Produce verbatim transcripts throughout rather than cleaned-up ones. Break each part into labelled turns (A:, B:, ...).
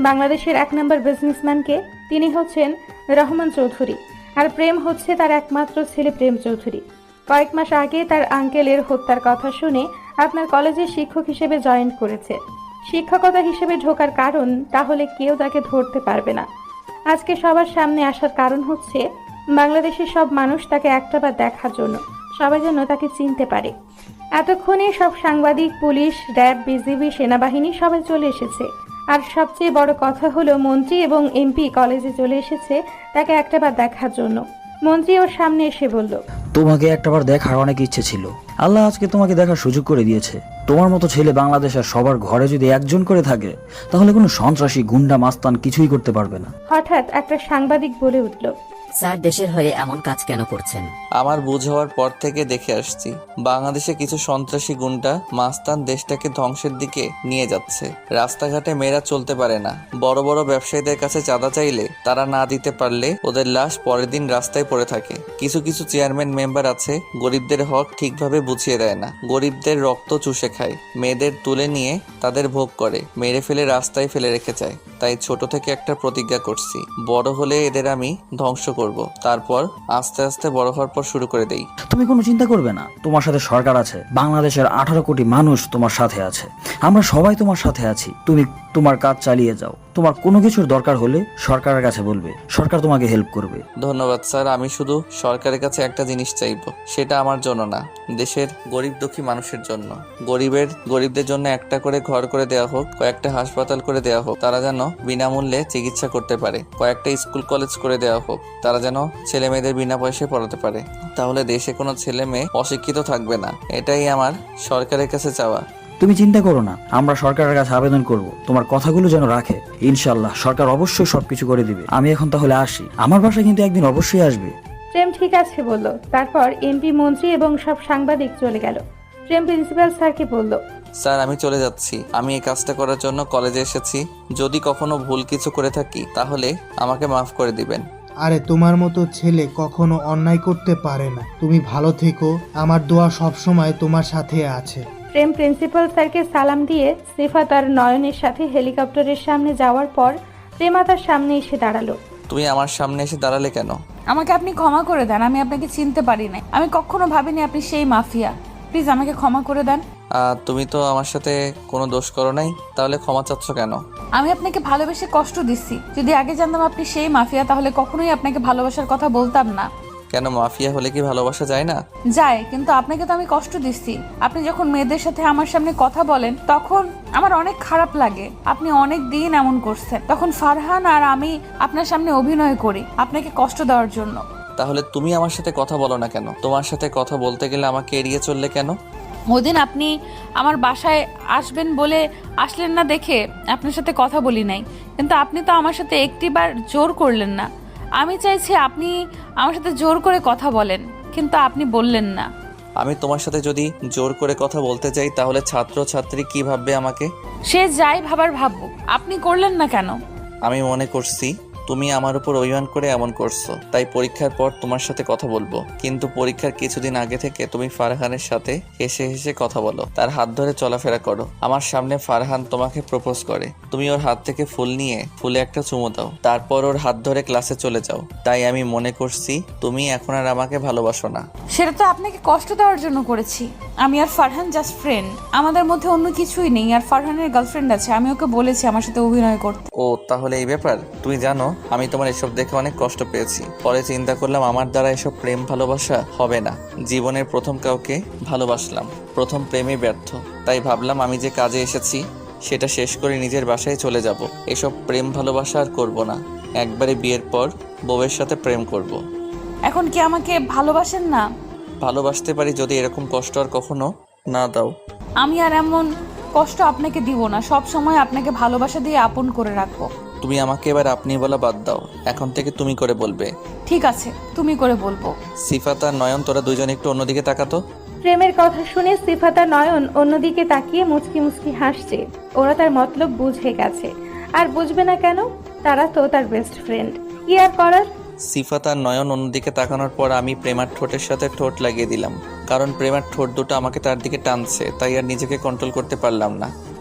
A: বাংলাদেশের এক নম্বর বিজনেসম্যানকে, তিনি হচ্ছেন রহমান চৌধুরী। আর প্রেম হচ্ছে তার একমাত্র ছেলে প্রেম চৌধুরী। কয়েক মাস আগে তার আঙ্কেলের হত্যার কথা শুনে আপনার কলেজে শিক্ষক হিসেবে জয়েন করেছে। শিক্ষকতা হিসেবে ঢোকার কারণ, তাহলে কেউ তাকে ধরতে পারবে না। আজকে সবার সামনে আসার কারণ হচ্ছে বাংলাদেশের সব মানুষ তাকে একটাবার দেখার জন্য, সবাই যেন তাকে চিনতে পারে। এতক্ষণে সব সাংবাদিক, পুলিশ, র্যাব, বিজিবি, সেনাবাহিনী সবাই চলে এসেছে। আর সবচেয়ে বড় কথা হলো মন্ত্রী এবং এমপি কলেজে চলে এসেছে তাকে একটাবার দেখার জন্য। মন্ত্রী ওর সামনে এসে বলল,
B: তোমাকে একটাবার দেখার অনেক ইচ্ছে ছিল, আল্লাহ আজকে তোমাকে দেখার সুযোগ করে দিয়েছে। তোমার মতো ছেলে বাংলাদেশের সবার ঘরে যদি একজন করে থাকে, তাহলে কোনো সন্ত্রাসী, গুন্ডা, মাস্তান কিছুই করতে পারবে না।
A: হঠাৎ একটা সাংবাদিক বলে উঠল,
C: স্যার দেশের হয়ে এমন কাজ কেন করছেন?
D: আমার বুঝ হওয়ার পর থেকে দেখে আসছি, বাংলাদেশে কিছু সন্ত্রাসী গুন্ডা মাস্তান দেশটাকে ধ্বংসের দিকে নিয়ে যাচ্ছে। রাস্তাঘাটে মেয়েরা চলতে পারে না, বড় বড় ব্যবসায়ীদের কাছে চাঁদা চাইলে তারা না দিতে পারলে ওদের লাশ পরের দিন রাস্তায় পড়ে থাকে। কিছু কিছু চেয়ারম্যান মেম্বার আছে গরিবদের হক ঠিকভাবে বুঝিয়ে দেয় না, গরিবদের রক্ত চুষে খায়, মেয়েদের তুলে নিয়ে তাদের ভোগ করে, মেরে ফেলে রাস্তায় ফেলে রেখে যায়। তাই ছোট থেকে একটা প্রতিজ্ঞা করছি, বড় হলে এদের আমি ধ্বংস করব, তারপর আস্তে আস্তে বড় হওয়ার পর শুরু করে দেই।
B: তুমি কোনো চিন্তা করবে না, তোমার সাথে সরকার আছে, বাংলাদেশের আঠারো কোটি মানুষ তোমার সাথে আছে, আমরা সবাই তোমার সাথে আছি। তুমি তোমার কাজ চালিয়ে যাও, তোমার কোনো কিছুর দরকার হলে সরকারের কাছে বলবে, সরকার তোমাকে হেল্প করবে।
D: ধন্যবাদ স্যার, আমি শুধু সরকারের কাছে একটা জিনিস চাইবো, সেটা আমার জন্য না, দেশের গরিব দুঃখী মানুষের জন্য। গরিবের গরিবদের জন্য একটা করে ঘর করে দেওয়া হোক, কয়েকটা হাসপাতাল করে দেওয়া হোক, তারা যেন বিনামূল্যে চিকিৎসা করতে পারে, কয়েকটা স্কুল কলেজ করে দেওয়া হোক, তারা যেন ছেলে মেয়েদের বিনা পয়সায় পড়াতে পারে। তাহলে দেশে কোনো ছেলে মেয়ে অশিক্ষিত থাকবে না, এটাই আমার সরকারের কাছে চাওয়া।
B: তুমি চিন্তা করো না, আমরা সরকারের কাছে আবেদন করব তোমার কথাগুলো যেন রাখে। ইনশাল্লাহ সরকার অবশ্যই সবকিছু করে দিবে। আমি এখন তাহলে আসি, আমার বাসায় কিন্তু একদিন অবশ্যই আসবে।
A: প্রেম ঠিক আছে বলল। তারপর এমপি, মন্ত্রী এবং সব সাংবাদিক চলে গেল। প্রেম প্রিন্সিপাল স্যারকে বলল,
D: স্যার আমি চলে যাচ্ছি, আমি এই কাজটা করার জন্য কলেজে এসেছি, যদি কখনো ভুল কিছু করে থাকি তাহলে আমাকে মাফ করে দিবেন।
E: আরে তোমার মতো ছেলে কখনো অন্যায় করতে পারে না, তুমি ভালো থেকো, আমার দোয়া সবসময় তোমার সাথে আছে।
A: প্রেম প্রিন্সিপাল স্যারকে সালাম দিয়ে সিফা তার নয়নের সাথে হেলিকপ্টারের সামনে যাওয়ার পর প্রেমা তার সামনে এসে দাঁড়ালো।
D: তুমি আমার সামনে এসে দাঁড়ালে কেন?
F: আমাকে আপনি ক্ষমা করে দেন, আমি আপনাকে চিনতে পারি নাই, আমি কখনো ভাবিনি আপনি সেই মাফিয়া। প্লিজ আমাকে ক্ষমা করে দেন।
D: আহ, তুমি তো আমার সাথে কোনো দোষ করো নাই, তাহলে ক্ষমা চাচ্ছ কেন?
F: আমি আপনাকে ভালোবেসে কষ্ট দিচ্ছি, যদি আগে জানতাম আপনি সেই মাফিয়া তাহলে কখনোই আপনাকে ভালোবাসার কথা বলতাম না।
D: কেন, মাফিয়া হলে কি ভালোবাসা যায় না?
F: যায়, কিন্তু আপনাকে তো আমি কষ্ট দিচ্ছি। আপনি যখন মেয়েদের সাথে আমার সামনে কথা বলেন তখন আমার অনেক খারাপ লাগে। আপনি অনেক দিন এমন করছেন, তখন ফারহান আর আমি আপনার সামনে অভিনয় করি আপনাকে কষ্ট দেওয়ার জন্য।
D: তাহলে তুমি আমার সাথে কথা বলো না কেন? তোমার সাথে কথা বলতে গেলে আমাকে এড়িয়ে চললে কেন?
F: ওদিন আপনি আমার বাসায় আসবেন বলে আসলেন না দেখে আপনার সাথে কথা বলি নাই, কিন্তু আপনি তো আমার সাথে একটিবার জোর করলেন না। আমি চাইছি আপনি আমার সাথে জোর করে কথা বলেন, কিন্তু আপনি বললেন না।
D: আমি তোমার সাথে যদি জোর করে কথা বলতে চাই তাহলে ছাত্র ছাত্রী কি ভাববে আমাকে?
F: সে যাই ভাবার ভাবুক, আপনি করলেন না কেন?
D: আমি মনে করছি তুমি আমার উপর অভিমান করে এমন করছো, তাই পরীক্ষার পর তোমার সাথে কথা বলবো। কিন্তু পরীক্ষার কিছুদিন আগে থেকে তুমি ফারহানের সাথে হেসে হেসে কথা বলো, তার হাত ধরে চলাফেরা করো। আমার সামনে ফারহান তোমাকে প্রপোজ করে, তুমি ওর হাত থেকে ফুল নিয়ে ফুলে একটা চুমু দাও, তারপর ওর হাত ধরে ক্লাসে চলে যাও। তাই আমি মনে করছি তুমি এখন আর আমাকে ভালোবাসো না।
F: সেটা তো আপনাকে কষ্ট দেওয়ার জন্য করেছি। আমি আর ফারহান জাস্ট ফ্রেন্ড, আমাদের মধ্যে অন্য কিছুই নেই। আর ফারহানের গার্লফ্রেন্ড আছে, আমি ওকে বলেছি আমার সাথে অভিনয় করতে।
D: ও তাহলে এই ব্যাপার। তুমি জানো আমি তোমার এসব দেখে অনেক কষ্ট পেয়েছি, পরে চিন্তা করলাম আমার দ্বারা এসব প্রেম ভালোবাসা হবে না। জীবনের প্রথম কাউকে ভালোবাসলাম, প্রথম প্রেমে ব্যর্থ, তাই ভাবলাম আমি যে কাজে এসেছি সেটা শেষ করে নিজের বাসায় চলে যাব। এসব প্রেম ভালোবাসা আর করবো না, একবারে বিয়ের পর বউয়ের সাথে প্রেম করব।
F: এখন কি আমাকে ভালোবাসেন না?
D: ভালোবাসতে পারি যদি এরকম কষ্ট আর কখনো না দাও।
F: আমি আর এমন কষ্ট আপনাকে দিব না, সব সময় আপনাকে ভালোবাসা দিয়ে আপন করে রাখবো।
D: তুমি আমাকে এবার আপনি বলা বাদ দাও, এখন থেকে তুমি করে বলবে।
F: ঠিক আছে, তুমি করে বলবো।
D: সিফাত আর নয়ন তোরা দুজন একটু অন্যদিকে তাকাতো।
A: প্রেমের কথা শুনে সিফাতা নয়ন অন্যদিকে তাকিয়ে মুচকি মুচকি হাসছে। ওরা তার মতলব বুঝে গেছে, আর বুঝবে না কেন, তারা তো তার বেস্ট ফ্রেন্ড। কি আর করার।
D: সিফাত আর নয়ন অন্যদিকে তাকানোর পর আমি প্রেমার ঠোঁটের সাথে ঠোঁট লাগিয়ে দিলাম, কারণ প্রেমার ঠোঁট দুটো আমাকে তার দিকে টানছে, তাই আর নিজেকে কন্ট্রোল করতে পারলাম না।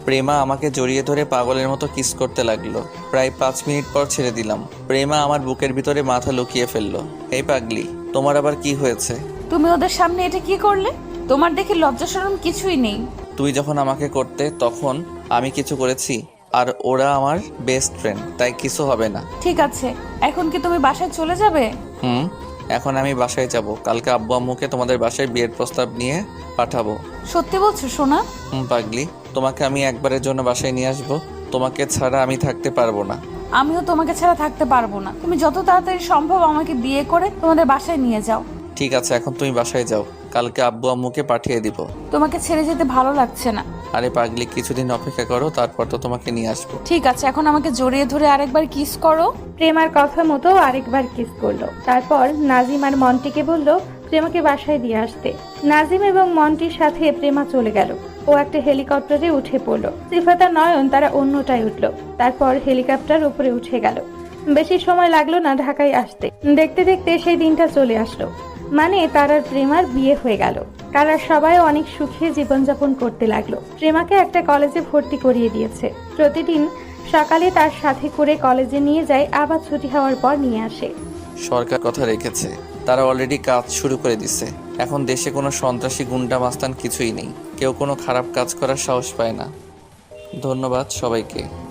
D: প্রেমা আমাকে জড়িয়ে ধরে পাগলের মতো কিস করতে লাগলো। প্রায় পাঁচ মিনিট পর ছেড়ে দিলাম। প্রেমা আমার বুকের ভিতরে মাথা লুকিয়ে ফেললো। এই পাগলি, তোমার আবার কি হয়েছে?
F: তুমি ওদের সামনে এটা কি করলে? তোমার দেখে লজ্জা শরম কিছুই নেই।
D: তুই যখন আমাকে করতে তখন আমি কিছু করেছি? আর ওরা আমার বেস্ট ফ্রেন্ড, তাই কিছু হবে না।
F: ঠিক আছে, এখন কি তুমি বাসায় চলে যাবে?
D: হুম, এখন আমি বাসায় যাব। কালকে আব্বু আম্মুকে তোমাদের বাসায় বিয়ের প্রস্তাব নিয়ে পাঠাবো।
F: সত্যি বলছো সোনা?
D: হুম পাগলি, তোমাকে আমি একবারের জন্য বাসায় নিয়ে আসবো। তোমাকে ছাড়া আমি থাকতে পারবো না।
F: আমিও তোমাকে ছাড়া থাকতে পারবো না। তুমি যত তাড়াতাড়ি সম্ভব আমাকে বিয়ে করে তোমাদের বাসায় নিয়ে যাও।
D: ঠিক আছে, এখন তুমি বাসায় যাও। কালকে আব্বু আম্মুকে পাঠিয়ে দিব।
F: তোমাকে ছেড়ে যেতে ভালো লাগছে না।
D: আরে পাগলি, কিছুদিন অপেক্ষা করো, তারপর তো তোমাকে নিয়ে আসবো।
F: ঠিক আছে, এখন আমাকে জড়িয়ে ধরে আরেকবার কিস করো।
A: প্রেমার কথা মতো আরেকবার কিস করলো। তারপর নাজিম আর মন্টিকে বলল প্রেমাকে বাসায় দিয়ে আসতে। নাজিম এবং মন্টির সাথে প্রেমা চলে গেল। ও একটা হেলিকপ্টারে উঠে পড়লো। সিফাত আর নয়ন তারা অন্যটায় উঠলো। তারপর হেলিকপ্টার উপরে উঠে গেল। বেশি সময় লাগলো না ঢাকায় আসতে। দেখতে দেখতে সেই দিনটা চলে আসলো। মানে তার আর প্রেমার বিয়ে হয়ে গেল। তারা সবাই অনেক সুখে জীবনযাপন করতে লাগলো। প্রেমাকে একটা কলেজে ভর্তি করিয়ে দিয়েছে। প্রতিদিন সকালে তার সাথে করে কলেজে নিয়ে যায়, আবার ছুটি হওয়ার পর নিয়ে আসে।
D: সরকার কথা রেখেছে, তারা অলরেডি কাজ শুরু করে দিছে। এখন দেশে কোনো সন্ত্রাসী গুন্ডা মাস্তান কিছুই নেই। কেউ কোনো খারাপ কাজ করার সাহস পায় না। ধন্যবাদ সবাইকে।